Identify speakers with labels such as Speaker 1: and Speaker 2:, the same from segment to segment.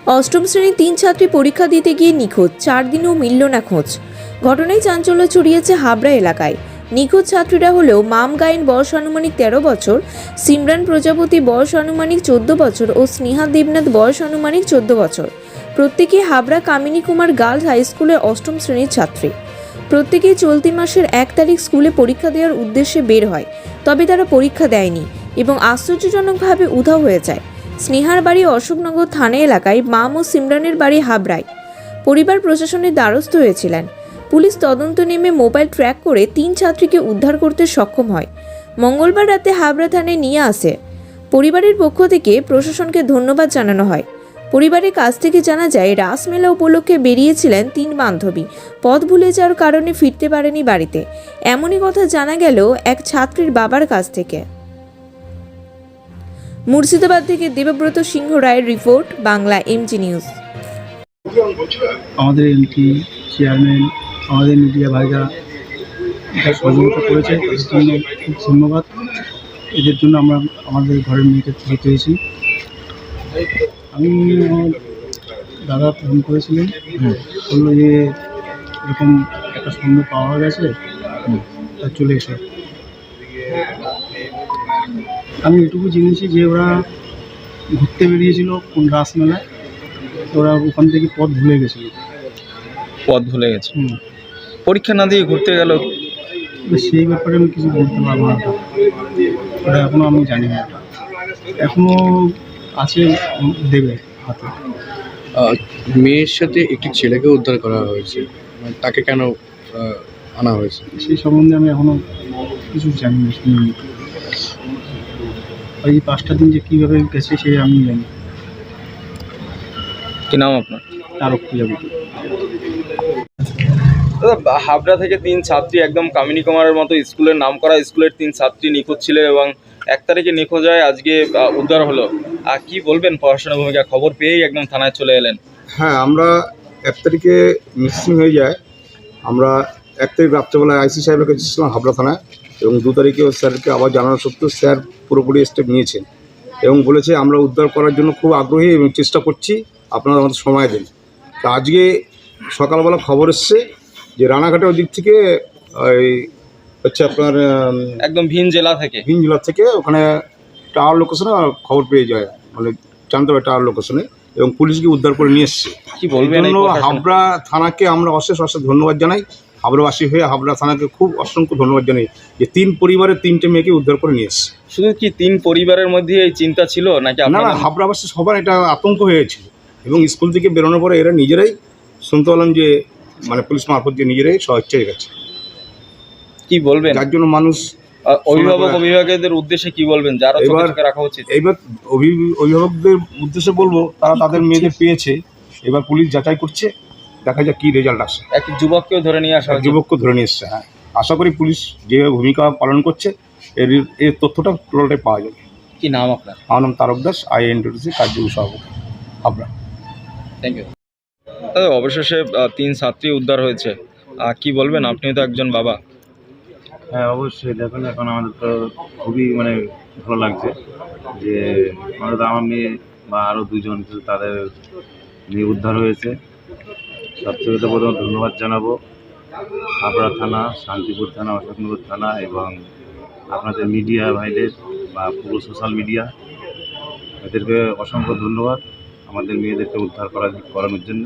Speaker 1: অষ্টম শ্রেণীর 3 ছাত্রী পরীক্ষা দিতে গিয়ে নিখোঁজ, 4 দিনেও মিলল না খোঁজ। ঘটনায় চাঞ্চল্য ছড়িয়েছে হাবড়া এলাকায়। নিখোঁজ ছাত্রীরা হলেও মাম গায়েন বয়স আনুমানিক 13 বছর, সিমরান প্রজাপতি বয়স আনুমানিক 14 বছর ও স্নেহা দেবনাথ বয়স আনুমানিক 14 বছর। প্রত্যেকেই হাবড়া কামিনী কুমার গার্লস হাই স্কুলের অষ্টম শ্রেণীর ছাত্রী। প্রত্যেকেই চলতি মাসের 1 তারিখ স্কুলে পরীক্ষা দেওয়ার উদ্দেশ্যে বের হয়, তবে তারা পরীক্ষা দেয়নি এবং আশ্চর্যজনকভাবে উধাও হয়ে যায়। স্নেহার বাড়ি অশোকনগর থানা এলাকায়, মাম ও সিমরানের বাড়ি হাবড়ায়। পরিবার প্রশাসনের দ্বারস্থ হয়েছিলেন। পুলিশ তদন্ত নেমে মোবাইল ট্র্যাক করে 3 ছাত্রীকে উদ্ধার করতে সক্ষম হয়। মঙ্গলবার রাতে হাবড়া থানায় নিয়ে আসে। পরিবারের পক্ষ থেকে প্রশাসনকে ধন্যবাদ জানানো হয়। পরিবারের কাছ থেকে জানা যায়, রাসমেলা উপলক্ষে বেরিয়েছিলেন 3 বান্ধবী। পথ ভুলে যাওয়ার কারণে ফিরতে পারেনি বাড়িতে। এমনই কথা জানা গেল এক ছাত্রীর বাবার কাছ থেকে। মুর্শিদাবাদ থেকে দেবব্রত সিংহ রায়ের রিপোর্ট, বাংলা এমজি নিউজ।
Speaker 2: আমাদের এমপি, চেয়ারম্যান, আমাদের মিডিয়া ভাইরা সহযোগিতা করেছে, তাদের জন্য খুব ধন্যবাদ। এদের জন্য আমরা আমাদের ঘরের মেয়েকে ফিরে পেয়েছি। আমি দাদা ফোন করেছিলেন, বললো যে এরকম একটা সন্দেহ পাওয়া গেছে, তা চলে এসো। আমি এটুকু জেনেছি যে ওরা ঘুরতে বেরিয়েছিল কোন রাসমেলায়, ওরা ওখান থেকে পথ ভুলে গেছিলো।
Speaker 3: পথ ভুলে গেছে, পরীক্ষা না দিয়ে ঘুরতে গেল।
Speaker 2: সেই ব্যাপারে আমি কিছু বলতে পারবো না, ওটা এখনও আমি জানি না। এখনও আছে, দেবে হাতে।
Speaker 4: মেয়ের সাথে একটি ছেলেকে উদ্ধার করা হয়েছে, তাকে কেন আনা হয়েছে
Speaker 2: সেই সম্বন্ধে আমি এখনও কিছু জানি না, শুনিনি। এই 5টা দিন যে কীভাবে গেছে সে আমি জানি।
Speaker 3: কি নাম আপনার?
Speaker 2: তারক প্রজাপতি।
Speaker 3: দাদা, হাবড়া থেকে 3 ছাত্রী, একদম কামিনী কুমারের মতো স্কুলের নাম করা স্কুলের 3 ছাত্রী নিখোঁজ ছিল এবং 1 তারিখে নিখোঁজ হয়, আজকে উদ্ধার হলো। আর কি বলবেন পড়াশোনার ভূমিকা? খবর পেয়েই একদম থানায় চলে এলেন।
Speaker 5: হ্যাঁ, আমরা 1 তারিখে মিসিং হয়ে যায়। আমরা 1 তারিখ রাত্রেবেলায় আইসি সাহেবের কাছে ছিলাম হাবড়া থানায়, এবং 2 তারিখে স্যারকে আবার জানানো সত্ত্বেও স্যার পুরোপুরি স্টেপ নিয়েছেন এবং বলেছে আমরা উদ্ধার করার জন্য খুব আগ্রহী এবং চেষ্টা করছি, আপনারা আমাদের সময় দিন। তা আজকে সকালবেলা খবর এসছে যে রানাঘাটের ওই দিক থেকে ওই হচ্ছে আপনার
Speaker 3: একদম ভিন জেলা থেকে
Speaker 5: ওখানে টাওয়ার লোকেশনে খবর পেয়ে যায়, মানে জানতে পারে টাওয়ার লোকেশনে, এবং পুলিশকে উদ্ধার করে নিয়ে এসছে।
Speaker 3: কি বলবেন?
Speaker 5: হাবড়া থানাকে আমরা অশেষ ধন্যবাদ জানাই। হাবড়াবাসী হয়ে হাবড়া থানাকে খুব অসংখ্য ধন্যবাদ জানাই যে 3 পরিবারের 3টে মেয়েকে উদ্ধার করে নিয়ে এসছে।
Speaker 3: শুধু কি 3 পরিবারের মধ্যে এই চিন্তা ছিল নাকি?
Speaker 5: না, হাবড়াবাসী সবার এটা আতঙ্ক হয়েছিল, এবং স্কুল থেকে বেরোনোর পরে এরা নিজেরাই শুনতে পেলাম যে মানে পুলিশ মারফত দিয়ে নিজেরাই স্বেচ্ছায় গেছে।
Speaker 3: কি বলবেন?
Speaker 5: যার জন্য মানুষ
Speaker 3: অভিভাবকদের উদ্দেশ্যে কি বলবেন, যারা চোখে রাখা উচিত?
Speaker 5: এইবার অভিভাবকদের উদ্দেশ্যে বলবো, তারা তাদের মেয়েদের পেয়েছে, এবার পুলিশ যাচাই করছে, দেখা যাক কি রেজাল্ট আসে।
Speaker 3: এক যুবককেও ধরে নিয়ে আসা,
Speaker 5: যুবককে ধরে নিয়ে এসছে। হ্যাঁ, আশা করি পুলিশ যেভাবে ভূমিকা পালন করছে এর তথ্যটা টোটালটাই পাওয়া যাবে।
Speaker 3: কি নাম আপনার?
Speaker 5: আমার নাম তারক দাস, INTC কার্যকরী সভাপতি হাবড়া।
Speaker 3: Thank you. দাদা, অবশেষে 3 ছাত্রী উদ্ধার হয়েছে, কি বলবেন? আপনি তো একজন বাবা।
Speaker 6: হ্যাঁ, অবশ্যই। দেখুন, এখন আমাদের তো খুবই ভালো লাগছে যে আমার মেয়ে বা আরও 2জন তাদের মেয়ে উদ্ধার হয়েছে। সবথেকে তো প্রথমে ধন্যবাদ জানাবো হাবড়া থানা, শান্তিপুর থানা, অশোকনগর থানা এবং আপনাদের মিডিয়া ভাইদের বা পুরো সোশ্যাল মিডিয়া, এদেরকে অসংখ্য ধন্যবাদ আমাদের মেয়েদেরকে উদ্ধার করানোর জন্য।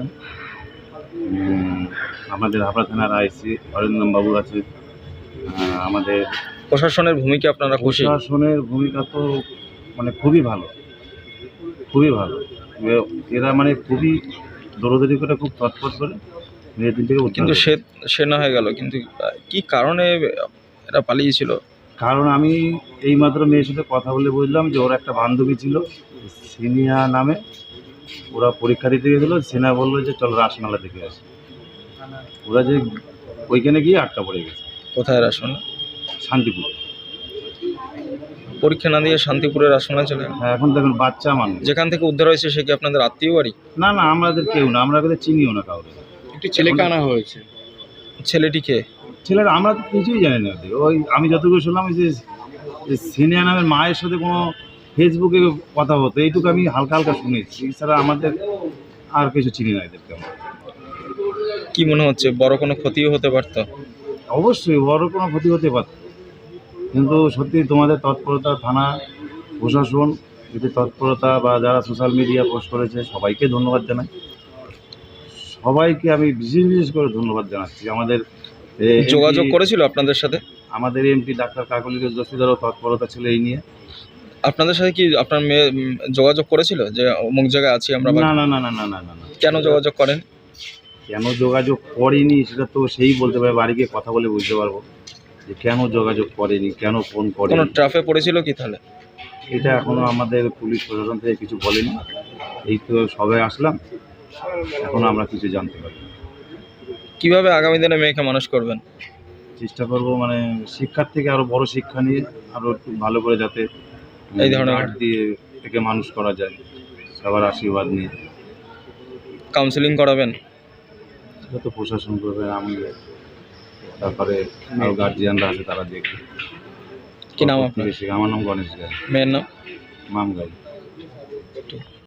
Speaker 6: আমাদের হাবড়া থানার আইসি অরিন্দম বাবু আছে। আমাদের
Speaker 3: প্রশাসনের ভূমিকা আপনারা খুশি?
Speaker 6: প্রশাসনের ভূমিকা তো খুবই ভালো, খুবই ভালো। এরা খুবই দৌড়দৌড়ি করে, খুব তৎপর করে মেয়েদের থেকে।
Speaker 3: কিন্তু সে না হয়ে গেল, কিন্তু কি কারণে এরা পালিয়েছিল?
Speaker 6: কারণ আমি এইমাত্র মেয়ের সাথে কথা বলে বুঝলাম যে ওর একটা বান্ধবী ছিল সিনিয়া নামে, ওরা পরীক্ষা দিতে গেছিলো। সিনা বললো যে চলো রাসমেলা দেখে আসি। ওরা যে ওইখানে গিয়ে আটকা পড়ে গেছে।
Speaker 3: কোথায় রাসমেলা?
Speaker 6: শান্তিপুর।
Speaker 3: পরীক্ষা না দিয়ে শান্তিপুরের রাসমেলা চলে?
Speaker 6: হ্যাঁ, এখন দেখুন বাচ্চা মানুষ।
Speaker 3: যেখান থেকে উদ্ধার হয়েছে সে কি আপনাদের আত্মীয় বাড়ি?
Speaker 6: না, আমাদের কেউ না, আমরা চিনিও না কাউকে।
Speaker 4: একটি ছেলেকে আনা হয়েছে।
Speaker 3: ছেলেটি কে?
Speaker 6: ছেলের আমরা তো কিছুই জানি না। ওই আমি যতটুকু শুনলাম যে সিনিয়া নামের মায়ের সাথে কোনো ফেসবুকে কথা হতো, এইটুকু আমি হালকা হালকা শুনেছি। এছাড়া আমাদের আর কিছু চিনি না এদেরকে আমরা।
Speaker 3: কি মনে হচ্ছে বড় কোনো ক্ষতিও হতে পারতো?
Speaker 6: অবশ্যই বড় কোনো ক্ষতি হতে পারত, কিন্তু সত্যি তোমাদের তৎপরতা, থানা প্রশাসন যদি তৎপরতা বা যারা সোশ্যাল মিডিয়া পোস্ট করেছে সবাইকে ধন্যবাদ জানাই। সবাইকে আমি বিশেষ করে ধন্যবাদ জানাচ্ছি। আমাদের
Speaker 3: যোগাযোগ করেছিল আপনাদের সাথে?
Speaker 6: আমাদের এমপি ডাক্তার কাকলি দস্তিদারও তৎপরতা ছিল এই নিয়ে।
Speaker 3: আপনাদের সাথে কি আপনার মেয়ে যোগাযোগ করেছিল যে অমুক জায়গায় আছি আমরা?
Speaker 6: না না না না না না না না,
Speaker 3: কেন যোগাযোগ করেন?
Speaker 6: কেন যোগাযোগ করেনি সেটা তো সেই বলতে পারে, বাড়ি গিয়ে কথা বলে বুঝতে পারবো যে কেন যোগাযোগ করেনি, কেন ফোন
Speaker 3: কোনো
Speaker 6: করেনি।
Speaker 3: ট্রাফে পড়েছিল কি তাহলে?
Speaker 6: এটা এখনো আমাদের পুলিশ প্রশাসন থেকে কিছু বলেনি, এই তো সবাই আসলাম, এখনো আমরা কিছু জানতে পারি।
Speaker 3: কিভাবে আগামী দিনে মেয়েকে মানুষ করবেন?
Speaker 6: চেষ্টা করবো মানে শিক্ষার থেকে আরো বড় শিক্ষা নিয়ে আরো একটু ভালো করে যাতে
Speaker 3: এই ধরনের
Speaker 6: গার্ড দিয়ে থেকে মানুষ করা যায়, সবার আশীর্বাদ নিয়ে।
Speaker 3: কাউন্সিলিং করাবেন?
Speaker 6: সেটা তো প্রশাসন করবে, আমি তারপরে আরো গার্জিয়ানরা আছে তারা দেখবে।
Speaker 3: কি নাম আপনার?
Speaker 6: আমার নাম গণেশ গাই,
Speaker 3: মেয়ের নাম?
Speaker 6: মাম গাই।